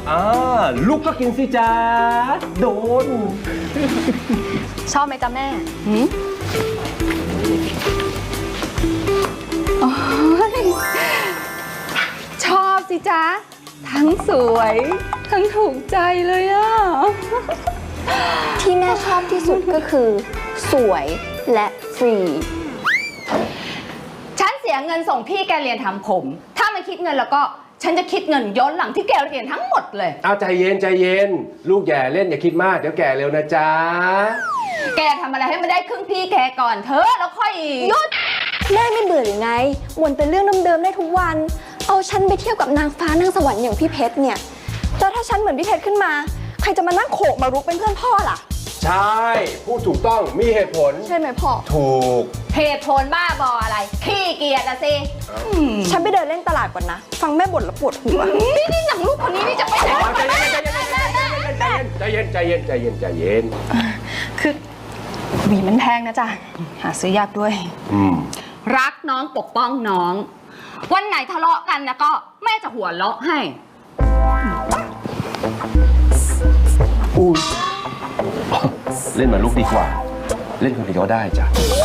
ลูกก็กินสิจ้าโดนชอบไหมจ๊ะแม่ชอบสิจ๊ะทั้งสวยทั้งถูกใจเลยอ่ะที่แม่ชอบที่สุดก็คือสวยและฟรีฉันเสียเงินส่งพี่แกเรียนทำผมถ้าไม่คิดเงินแล้วก็ฉันจะคิดเงินย้อนหลังที่แกเรียนทั้งหมดเลยเอาใจเย็นใจเย็นลูกแย่เล่นอย่าคิดมากเดี๋ยวแก่เร็วนะจ๊ะแกทำอะไรให้มันได้ครึ่งพี่แกก่อนเถอะแล้วค่อยหยุดแม่ไม่เบื่อหรือไงวนเป็นเรื่องเดิมๆได้ทุกวันเอาฉันไปเที่ยวกับนางฟ้านางสวรรค์อย่างพี่เพชรเนี่ยแล้วถ้าฉันเหมือนพี่เพชรขึ้นมาใครจะมานั่งโขกมารุกเป็นเพื่อนพ่อล่ะใช่พูดถูกต้องมีเหตุผลใช่ไหมพ่อถูกเหตุผลบ้าบออะไรขี้เกียจอะสิฉันไปเดินเล่นตลาดก่อนนะฟังแม่บ่นแล้วปวดหัวนี่หนังลูกคนนี้นี่จะไปไหนใจเย็นใจเย็นใจเย็นใจเย็นคือหวีมันแพงนะจ๊ะหาซื้อยากด้วยรักน้องปกป้องน้องวันไหนทะเลาะกันแล้วก็แม่จะหัวเราะให้เล่นเหมือนลูกดีกว่าเล่นคนเดียวก็ได้จ้ะ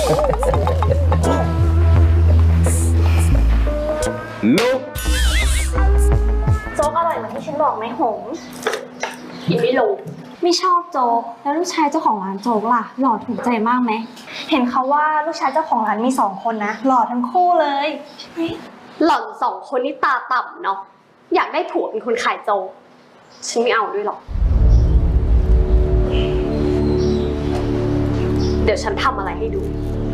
ลูกโจ๊กอร่อยเหมือนที่ฉันบอกไหมหงกินไม่ลงไม่ชอบโจ๊กแล้วลูกชายเจ้าของร้านโจ๊กล่ะหล่อถูกใจมากไหมเห็นเขาว่าลูกชายเจ้าของร้านมี2 คนนะหล่อทั้งคู่เลยหล่อน2 คนนี่ตาต่ำเนาะอยากได้ผัวเป็นคนขายโจ๊กฉันไม่เอาด้วยหรอกเดี๋ยวฉันทำอะไรให้ดู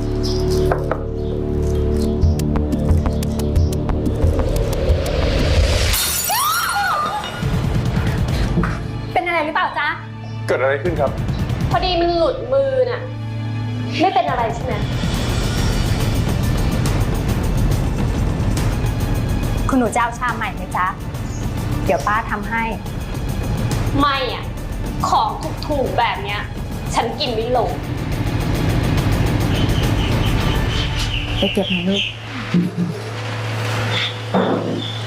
เป็นอะไรหรือเปล่าจ๊ะเกิดอะไรขึ้นครับพอดีมันหลุดมือน่ะไม่เป็นอะไรใช่ไหมคุณหนูจะเอาชามใหม่ไหมจ๊ะเดี๋ยวป้าทำให้ไม่อ่ะของถูกๆแบบเนี้ยฉันกินไม่ลงไปเก็บหน่อยลูก